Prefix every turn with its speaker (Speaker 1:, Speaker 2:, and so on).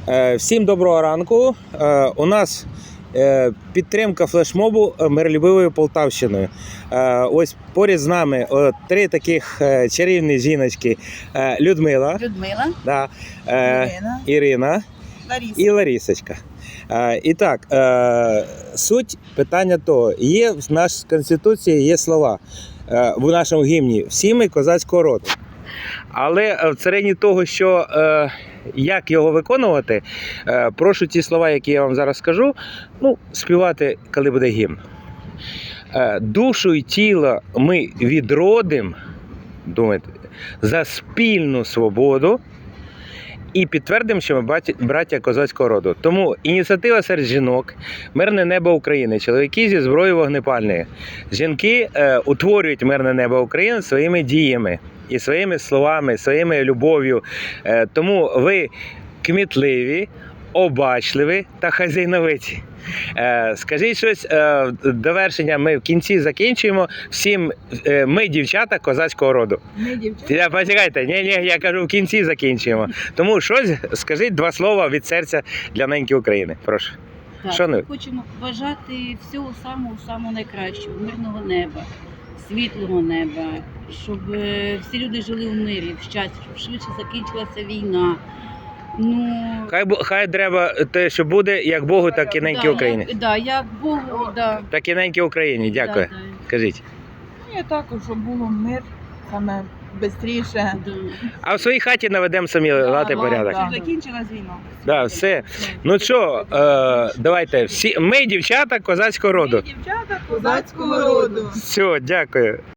Speaker 1: Всім доброго ранку. У нас підтримка флешмобу миролюбивою Полтавщиною. Ось поряд з нами три таких чарівні жіночки: Людмила, да, Ірина і Ларісочка. І так, суть питання того, є в нашій Конституції є слова в нашому гімні: всі ми козацького роду. Але в царині того, що як його виконувати, прошу ті слова, які я вам зараз скажу, співати, коли буде гімн. Душу й тіло ми відродим, думайте, за спільну свободу і підтвердимо, що ми браття козацького роду. Тому ініціатива серед жінок, мирне небо України, чоловіки зі зброєю вогнепальною. Жінки утворюють мирне небо України своїми діями і своїми словами, своєю любов'ю. Тому ви кмітливі, обачливі та хазяйновиті. Скажіть щось до вершення, ми в кінці закінчуємо. Всім ми дівчата козацького роду.
Speaker 2: Ми дівчата?
Speaker 1: Почекайте, я кажу, в кінці закінчуємо. Тому щось, скажіть два слова від серця для неньки України. Прошу.
Speaker 2: Так, ми хочемо бажати всього самого найкращого, мирного неба, світлого неба, щоб всі люди жили в мирі, в щасті, щоб швидше закінчилася війна.
Speaker 1: Хай треба те, що буде, як Богу, так і неньки Україні.
Speaker 2: Як Богу,
Speaker 1: так і неньки Україні. Дякую. Кажіть.
Speaker 3: Я також, щоб було мир, саме швидше.
Speaker 1: А в своїй хаті наведемо самі лад і порядок.
Speaker 3: Щоб закінчилась війна.
Speaker 1: Да, все. Ну що, давайте, всі ми дівчата козацького роду.
Speaker 3: Ми дівчата козацького роду.
Speaker 1: Все, дякую.